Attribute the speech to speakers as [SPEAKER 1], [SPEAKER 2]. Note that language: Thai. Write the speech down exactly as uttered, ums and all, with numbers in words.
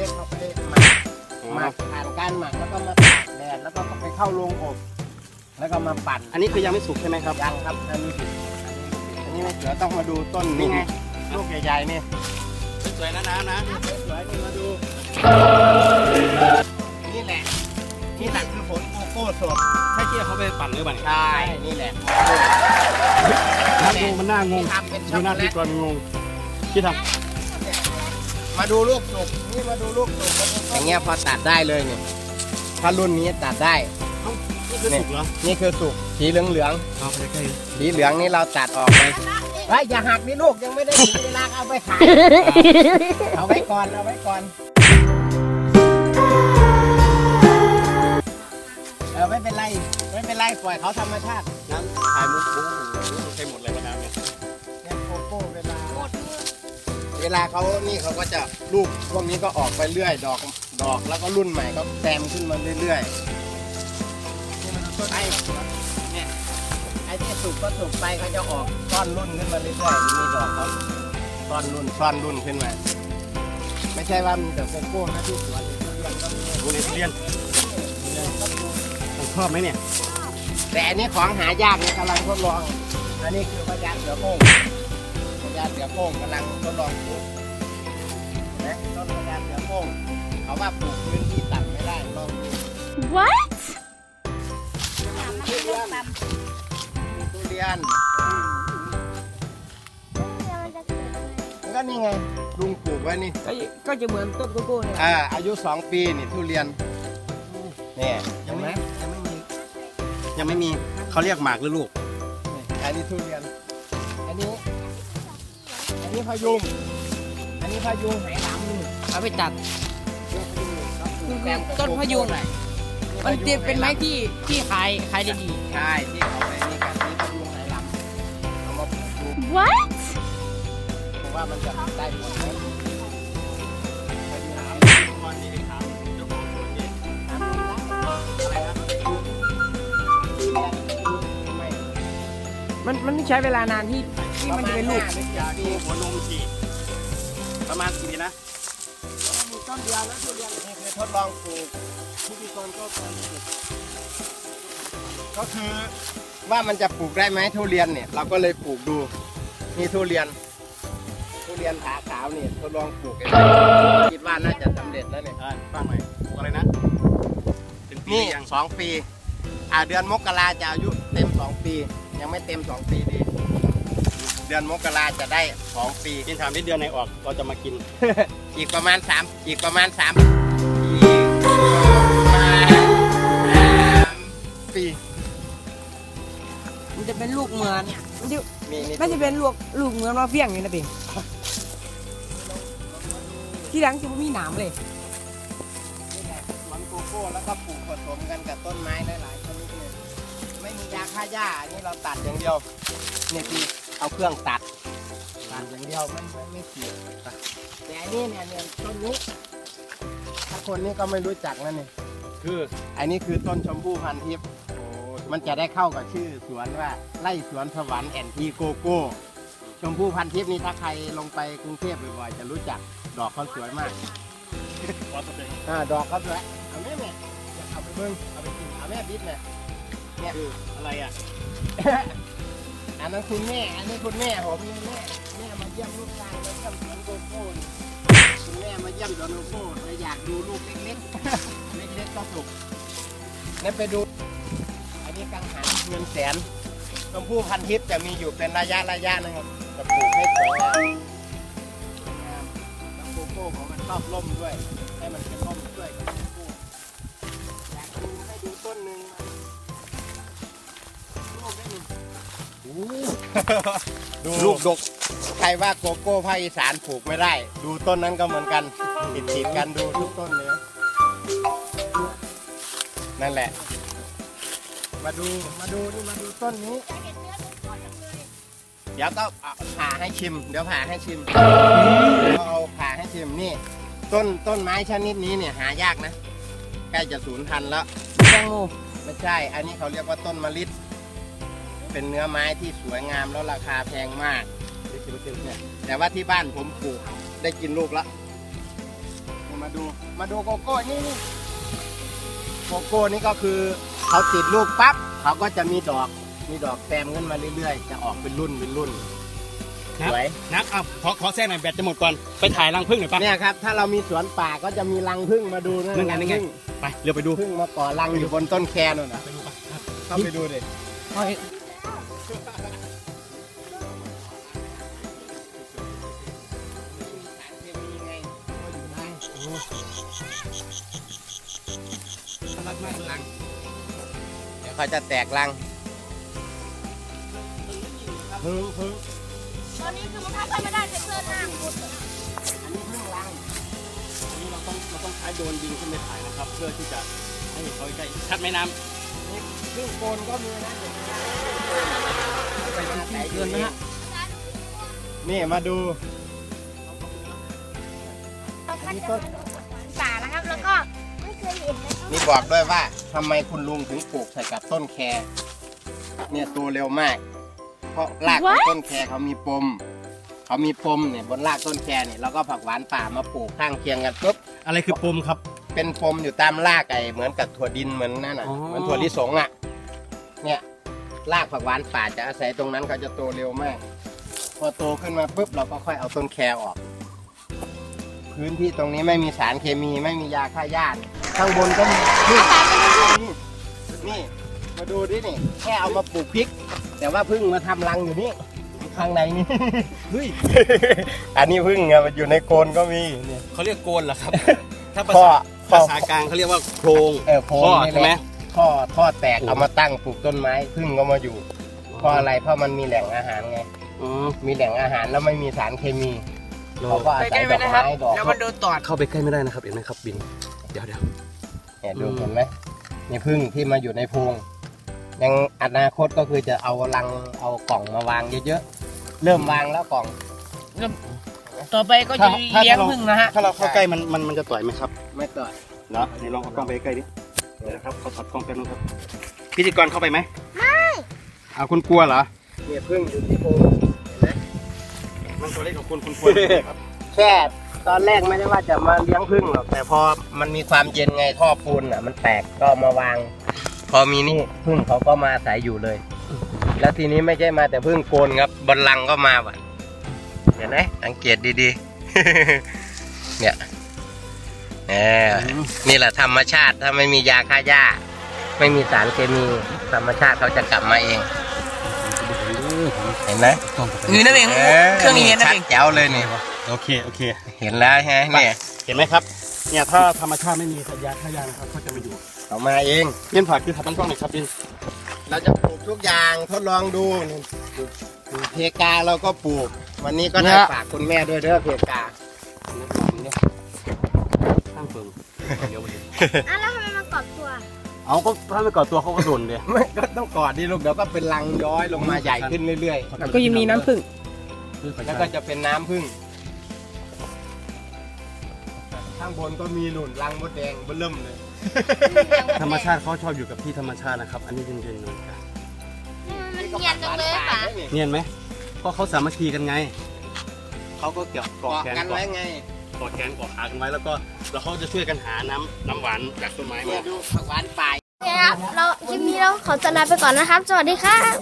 [SPEAKER 1] เอาไปหมักหมักผ่านการหมักแล้วก็มาตากแดดแล้วก็ไปเข้าโรงอบแล้วก็มาปั่น
[SPEAKER 2] อันนี้คือยังไม่สุกใช่ไหมครับ
[SPEAKER 1] ยังครับอันนี้อันนี้ไม่เสือต้องมาดูต้นนี่ไงลูกใหญ่ๆนี่
[SPEAKER 2] สวยนะนะนะ
[SPEAKER 1] สวยนี่มาดูนี่แหละนี่แหละคือผลโกโก้สด
[SPEAKER 2] ใช่ที่เขาไปปั่นหรือเปล่า
[SPEAKER 1] ใช่นี่แหละ
[SPEAKER 2] น่างงมันน่างงดูหน้าที่กรงงที่ท
[SPEAKER 1] ำมาดูลูกสุกนี่มาดูลูกสุกอย่างเงี้ยพอตัดได้เลยเนี่ยถ้ารุ่นนี้ตัดได้
[SPEAKER 2] นี่คือสุกเหรอ
[SPEAKER 1] นี่คือสุกสีเหลืองเหลือง
[SPEAKER 2] เอาไปใกล้
[SPEAKER 1] สีเหลืองนี่เราตัดออกไปเฮ้ยอย่าหักนี่ลูกยังไม่ได้ถึงเวลาเอาไปขายเอาไว้ก่อนเอาไว้ก่อนเออไม่เป็นไรไม่เป็นไรปล่อยเขาธรรมชาติ
[SPEAKER 2] น้ำขายมุกมุ้งใช้หมดเลยน้ำเนี่ย
[SPEAKER 1] เนี่ยโกโก้เวลาเวลาเขานี่เขาก็จะลูกพวกนี้ก็ออกไปเรื่อยดอกดอกแล้วก็รุ่นใหม่ก็แซมขึ้นมาเรื่อยๆนี่มันต้นไอ้เนี่ยไอ้ที่สุกก็สุกไปเขาจะออกต้อนรุ่นขึ้นมาเรื่อยๆมีดอกเขาต้อนรุ่นต้อนรุ่นขึ้นมาไม่ใช่ว่ามีแต่โกโก้นะที่สวนทุเรียนก็มี
[SPEAKER 2] ทุเรียนผมชอบไหมเนี่ย
[SPEAKER 1] แต่อันนี้ของหายากนี่กำลังทดลองอันนี้คือพญาเสือโคร่งพญาเสือโคร่งกำลังทดลองปลูกนะต้นพญาเสือโคร่งเขาว่าปลูกพื้นที่ต่ำไม่ได้ลองดู
[SPEAKER 3] What
[SPEAKER 1] ทุเรียนทุเรียนก็นี่ไงลุงปลูกไว้นี่
[SPEAKER 4] ก็จะเหมือนต้นโกโก้เนี่ย
[SPEAKER 1] อ่าอายุสองปีนี่ทุเรียนเนี่ยเห็นไหม
[SPEAKER 2] ยังไม่มียังไม่มีเขาเรียกหมากหรือลูก
[SPEAKER 1] อันนี้ทุเรียนอันนี้อันนี้พยุงอันนี้พยุงไหหลำนี่
[SPEAKER 4] เอาไปตัดต้นพยุงมันเป็นไม้ที่ที่ขายขายได้ดี
[SPEAKER 1] ใช่ที่เอาไปนี่กันนี่พยุงไหหลำเอามาปลูกดู
[SPEAKER 3] What
[SPEAKER 1] ผมว่ามันจะได้ผลไหม
[SPEAKER 4] มันมันไม่ใช้เวลานานที่ที่มันจะเป็นลูก
[SPEAKER 1] ยาดี
[SPEAKER 2] หัวนมฉีดประมาณกี่ปีนะ
[SPEAKER 1] ต้นเดียวแล้วทุเรียนนี่คือทดลองปลูกที่พี่กรก็ทำก็คือว่ามันจะปลูกได้ไหมทุเรียนเนี่ยเราก็เลยปลูกดูนี่ทุเรียนทุเรียนขาขาวนี่ทดลองปลูกกันคิดว่าน่าจะสำเร็จแล้วเนี่ย
[SPEAKER 2] ฟังหน่อยปลูกอะไรนะ
[SPEAKER 1] นี่สองปีอ่าเดือนมกราจะอายุเต็มสองปียังไม่เต็มสองปีดีเดือนมกราจะได้สองปี
[SPEAKER 2] กินถามที่เดือนไหนออกเราจะมากิน
[SPEAKER 1] อีกประมาณสามอีกประมาณสามอีกประมาณสามปี
[SPEAKER 4] มันจะเป็นลูกเหมือนมันจะไม่จะเป็นลูกลูกเหมือนว่าเฟี้ยงอย่างนี้นะพี่ที่หลังจะไม่มีหนามเลย
[SPEAKER 1] มันโกโก้แล้วก็ปลูกผสมกันกับต้นไม้หลายๆชนิดเลยไม่มียาฆ่าหญ้าอันนี้เราตัดอย่างเดียวนี่คือเอาเครื่องตัดตัดอย่างเดียวไม่ไม่ไม่เกี่ยวแต่อันนี้เนี่ยเนี่ยต้นนี้ถ้าคนนี้ก็ไม่รู้จักนั่นนี่
[SPEAKER 2] คือ
[SPEAKER 1] อันนี้คือต้นชมพู่พันทิพย์มันจะได้เข้ากับชื่อสวนว่าไร่สวนสวรรค์แอนทีโกโก้ชมพู่พันทิพย์นี่ถ้าใครลงไปกรุงเทพบ่อยๆจะรู้จักดอกเขาสวยมากอ่าดอกเขาสวยเอาแม่แม่เอาไปเบิ้งเอาไปกินเอาแม่บิ๊กเนี่ยเนี่ย
[SPEAKER 2] อะไรอ่ะ
[SPEAKER 1] อันนั้นคุณแม่อันนี้คุณแม่ผมนี่แม่แม่มาเยี่ยมลูกชายมาเยี่ยมสวนโกโก้คุณแม่มาเยี่ยมสวนโกโก้เลยอยากดูลูกเล็กๆเล็กๆก็สุกนั่นไปดูอันนี้กังหันเงินแสนชมพู่พันทิพย์จะมีอยู่เป็นระยะระยะนะครับจะปลูกให้สวยงามแล้วโกโก้ของมันชอบร่มด้วยให้มันเป็นร่มด้วยกับโกโก้อยากดูให้ดูต้นหนึ่งดูลูกดกใครว่าโกโก้ภาคอีสานปลูกไม่ได้ดูต้นนั้นก็เหมือนกันติดติดกันดูทุกต้นเลยนั่นแหละมาดูมาดูนี่มาดูต้นนี้เดี๋ยวก็ผ่าให้ชิมเดี๋ยวผ่าให้ชิมเอาผ่าให้ชิมนี่ต้นต้นไม้ชนิดนี้เนี่ยหายากนะใกล้จะสูญพันธุ์แล้ว
[SPEAKER 4] แตงโม
[SPEAKER 1] ไม่ใช่อันนี้เขาเรียกว่าต้นมะลิเป็นเนื้อไม้ที่สวยงามแล้วราคาแพงมากเนี่ยแต่ว่าที่บ้านผมปลูกได้กินลูกแล้วมามาดูมาดูโกโก้นี่นี่โกโก้นี่ก็คือเขาติดลูกปั๊บเขาก็จะมีดอกมีดอกแซมขึ้นมาเรื่อยๆจะออกเป็นรุ่นเป็นรุ่นสวย
[SPEAKER 2] นักอ่ะขอขอแทรกหน่อยแบตจะหมดก่อนไปถ่ายรังผึ้งหน่อยปะ
[SPEAKER 1] เนี่ยครับถ้าเรามีสวนป่าก็จะมีรังผึ้งมาดูนะ
[SPEAKER 2] นั่นไง
[SPEAKER 1] รั
[SPEAKER 2] นั่นไง
[SPEAKER 1] ผึ้ง
[SPEAKER 2] ไปเร็วไปดู
[SPEAKER 1] ผึ้งมาก่อรังอยู่บนต้นแคนู่นน่ะ
[SPEAKER 2] ไปดูปะครับ
[SPEAKER 1] เข้าไปดูดิ
[SPEAKER 4] เอาให้
[SPEAKER 2] รักมากรัง
[SPEAKER 1] เดี๋ยวเขาจะแตกรัง
[SPEAKER 2] ผึ้งผึ้ง
[SPEAKER 3] ตอนนี้คือมันทำไม่ได้จะเกินหน้าคุณ
[SPEAKER 1] อันนี้ผึ้งรัง
[SPEAKER 2] อันนี้เราต้องเราต้องใช้โดรนยิงขึ้นไปถ่ายนะครับ เพื่อที่จะให้เห็นเขาใกล้ชัดไหมน้
[SPEAKER 1] นี่ผึ้งโกนก็มีนะ
[SPEAKER 4] ไปที่เกินนะฮะ
[SPEAKER 1] นี่มาดู
[SPEAKER 3] เอาคัดจะป่าแล้วครับ แล้วก็ไม่เคยเห็นนะครับ
[SPEAKER 1] นี่บอกด้วยว่าทำไมคุณลุงถึงปลูกใส่กับต้นแคเนี่ยโตเร็วมาก เพราะรากของต้นแคเขามีปมเขามีปมเนี่ยบนรากต้นแคเนี่ยเราก็ผักหวานป่ามาปลูกข้างเคียงกันปุ๊บ
[SPEAKER 2] ำอะไรคือปมครับ
[SPEAKER 1] เป็นปมอยู่ตามรากไอ้เหมือนกับถั่วดินเหมือนนั่นน่ะ
[SPEAKER 2] อ๋อ
[SPEAKER 1] เหมือนถั่วลิสงอ่ะเนี่ยรากผักหวานป่าจะอาศัยตรงนั้นเขาจะโตเร็วมาก พอโตขึ้นมาปุ๊บเราก็ค่อยเอาต้นแคออก พื้นที่ตรงนี้ไม่มีสารเคมีไม่มียาฆ่าหญ้าเนี่ยข้างบนก็มีนี่นี่นี่มาดูดินี่แค่เอามาปลูกพริก แต่ว่าพึ่งมาทำรังอยู่นี่ข้างในนี่
[SPEAKER 2] เฮ้ย
[SPEAKER 1] อันนี้พึ่งอะมันอยู่ในโคนก็มีเนี่ย
[SPEAKER 2] เขาเรียกโกนเหรอครับ ถ้าภา
[SPEAKER 1] พ่อ
[SPEAKER 2] ษา
[SPEAKER 1] พ่อ
[SPEAKER 2] ภาษากลางเขาเรียกว่าโครง
[SPEAKER 1] เออโพรง
[SPEAKER 2] ข้อ
[SPEAKER 1] นี่
[SPEAKER 2] ใช่ไหม
[SPEAKER 1] แหละท่อท่อแตก
[SPEAKER 2] โอ้
[SPEAKER 1] เอามาตั้งปลูกต้นไม้พึ่งก็มาอยู่เพราะอะไรเพราะมันมีแหล่งอาหารไง
[SPEAKER 2] อ๋อ
[SPEAKER 1] มีแหล่งอาหารแล้วไม่มีสารเคมี
[SPEAKER 2] เรา
[SPEAKER 1] เขาก็อา
[SPEAKER 4] ไป
[SPEAKER 1] ศั
[SPEAKER 4] ใก
[SPEAKER 1] ย
[SPEAKER 4] ล้
[SPEAKER 1] ด
[SPEAKER 4] ไป
[SPEAKER 1] อก
[SPEAKER 4] นะครับ
[SPEAKER 1] ไม้ดอก
[SPEAKER 4] แล้วมันโดนตอด
[SPEAKER 2] เข้าไปใกล้ไม่ได้นะครับเห็นไหมครับบินเดี๋ยวเดี๋ยว
[SPEAKER 1] เนี่ยดู
[SPEAKER 2] อืม
[SPEAKER 1] เห็นไหมนี่พึ่งที่มาอยู่ในโพรงยังอนาคตก็คือจะเอารังเอากล่องมาวางเยอะๆเริ่มวางแล้วกล่อง
[SPEAKER 4] ต่อไปก็จะเลี้ยงผึ้งนะฮะ
[SPEAKER 2] ถ้าเราเข้าใกล้มันมันมันจะต่อยไหมครับ
[SPEAKER 1] ไม่ต่อย
[SPEAKER 2] เนาะนี่ลองเอากล้องไปใกล้ดิเดี๋ยวนะครับเขาถอดกล้องแป๊บนึงครับพิธีกรเข้าไปไหมไม่เอาคุณกลัวเหรอ
[SPEAKER 1] เนี่ยพึ่งอยู่ที่โพรงเห็นไหม
[SPEAKER 2] มันตัวเล็กกว่าคุณคุณกลัวครับ
[SPEAKER 1] แค่ตอนแรกไม่ได้ว่าจะมาเลี้ยงพึ่งหรอกแต่พอมันมีความเย็นไงท่อปูนอ่ะมันแตกก็เอามาวาง พอมีนี่พึ่งเขาก็มาอาศัยอยู่เลย แล้วทีนี้ไม่ใช่มาแต่พึ่งโกนครับบนลังก็มาว่ะเห็นไหมสังเกตดีๆ เนี่ยเออนี่แหละธรรมชาติถ้าไม่มียาฆ่าหญ้า ไม่มีสารเคมีธรรมชาติเขาจะกลับมาเอง เห็นไหม
[SPEAKER 4] นี่นั่นเองเครื่องนี้นั่น
[SPEAKER 1] ชัด
[SPEAKER 4] เอง
[SPEAKER 1] แจ๋วเลยนี่
[SPEAKER 2] โอเคโอเค
[SPEAKER 1] เห็นแล้วใช่ไหมเนี่ย
[SPEAKER 2] เห็นไหมครับเนี่ยถ้าธรรมชาติไม่มีสัญญาฆ่าหญ้านะครับเขาจะมาอยู่
[SPEAKER 1] เขามาเอง
[SPEAKER 2] เล่นผักคือถัดตั้งกล้องหน่อยครับดิน
[SPEAKER 1] เราจะปลูกทุกอย่างทดลองดูนี่ปลูกปลูกเพกาเราก็ปลูก วันนี้ก็ได้ฝากคุณแม่ด้วยเด้อเพกา
[SPEAKER 2] ข้างเฟิงเดี๋ยวไปดู
[SPEAKER 3] อ่ะแล้วทำไมมันกอดตัว
[SPEAKER 2] เอาก็ถ้าไม่ก่อตัวเขาก็โดนเลย
[SPEAKER 1] ไม่ก็ต้องกอดดิลูกเดี๋ยวก็เป็นรังย้อยลงมาใหญ่ขึ้นเรื่อย
[SPEAKER 4] ก็ยังมีน้ำผึ้ง
[SPEAKER 1] ๆ แล้วก็จะเป็นน้ำผึ้งข้างบนก็มีหนุนรังมดแดงเบิ่มเลย
[SPEAKER 2] ธรรมชาติเขาชอบอยู่กับที่ธรรมชาตินะครับ อันนี้เย็นๆเลย
[SPEAKER 3] มันเนียนจังเลยป่ะ
[SPEAKER 2] เนียนไหมเพราะเขาสามัคคีกันไงเขาก็เกี่ยวเกาะ
[SPEAKER 1] เกาะ
[SPEAKER 2] แขน
[SPEAKER 1] กัน
[SPEAKER 2] เกาะ
[SPEAKER 1] ไว้ไง
[SPEAKER 2] เกาะแขนเกาะขากันไว้แล้วก็แล้วเขาจะช่วยกันหาน้ำน้ำหวานจากต้นไม้
[SPEAKER 1] เนี่
[SPEAKER 2] มา
[SPEAKER 1] ยดูผักหวานป่า
[SPEAKER 3] โอเคครับ เราคลิปนี้เราขอตัวลาไปก่อนนะครับ สวัสดีครับ